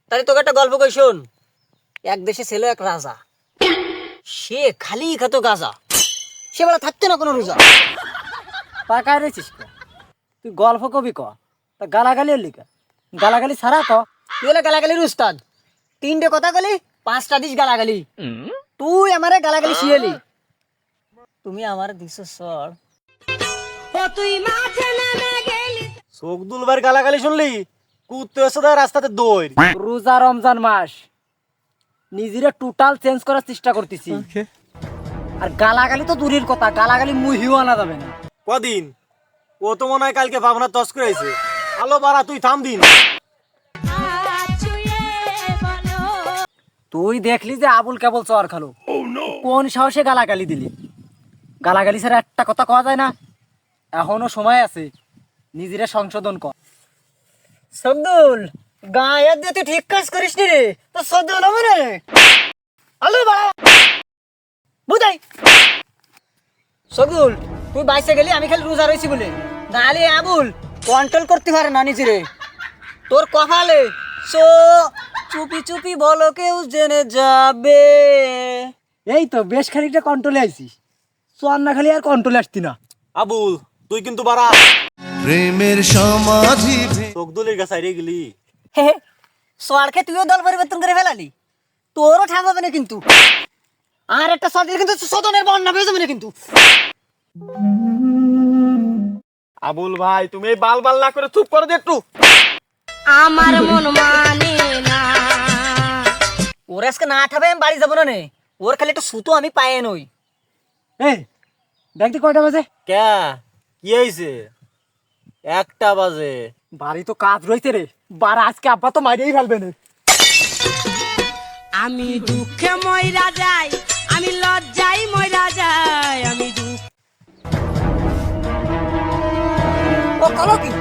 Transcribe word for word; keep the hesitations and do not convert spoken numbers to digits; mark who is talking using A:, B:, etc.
A: তাহলে তোকে একটা গল্প কই শোন। এক দেশে ছিল এক রাজা, সে খালি খেত গাঁজা, সে বেলা থাকতো না কোনো রোজা।
B: পাকায় রয়েছিস ক তুই গল্প কবি ক তা গালাগালি এলি কা গালাগালি ছাড়া ক।
A: তুই হলে গালাগালির উস্তাদ, তিনটে কথা কলি পাঁচটা দিস গালাগালি। তুই আমারে গালাগালি শিয়েলি, তুমি আমার দিছো সর।
C: চোখ দুলবার গালাগালি শুনলি কুত্তে এসে দেয় রাস্তাতে দৌড়।
B: রোজা রমজান মাস নিজেরে টোটাল চেঞ্জ করার চেষ্টা করতেছি। আর গালাগালি তো দূরের কথা, গালাগালি মুহিও আনা যাবে না।
C: কদিন ও তো মনে হয় কালকে ভাবনা তস করেছে। আলো বাড়া তুই থাম দিন।
B: তুই দেখলি যে আবুল কেবল চর খালো, কোন সাহসে গালাগালি দিলি? গালাগালি ছাড়া একটা কথা কওয়া যায় না। এখনো সময় আছে, নিজেরে সংশোধন কর।
A: সবদুল গায়ে দিয়ে তুই ঠিক কাজ করিস নি রে, তো সদ্য হলো মনে আলু বাড়া বুঝাই। সবদুল তুই বাইসে গেলি, আমি খালি রোজা রয়েছি বলে, নাহলে আবুল কন্ট্রোল করতে পারে না নিজেরে। তোর কপালে সো চুপি চুপি বলো কেউ জেনে যাবে।
B: এই তো বেশ খানিকটা কন্ট্রোলে আইছিস, চর না খালি আর কন্ট্রোলে আসতি না।
C: আবুল তুই কিন্তু বাড়া
D: প্রেমের সমাধি
C: চোখ দুলির কাছে হারিয়ে গেলি।
A: হে হে, সরকে তুইও দল পরিবর্তন করে ফেলালি, তোরও ঠামাবে না কিন্তু। আর একটা সর দিলে কিন্তু সদনের বন্যা পেয়ে যাবে না কিন্তু।
C: আবুল ভাই তুমি এই বাল বাল না করে চুপ করে দে একটু।
E: আমার মন মানে না।
A: ওর আজকে না ঠাবে আমি বাড়ি যাবো না নে, ওর খালি একটা সুতো আমি পায়ে নই।
B: এই দেখতে কয়টা বাজে?
C: ক্যা কি হয়েছে? একটা বাজে।
B: বাড়ি তো কাজ রয়েছে রে, বার আজকে আব্বা তো মারিয়েই ফেলবে না।
E: আমি দুঃখে ময়রা যাই, আমি লজ্জাই ময়রা যাই, আমি দুঃখ
A: ও কলো কি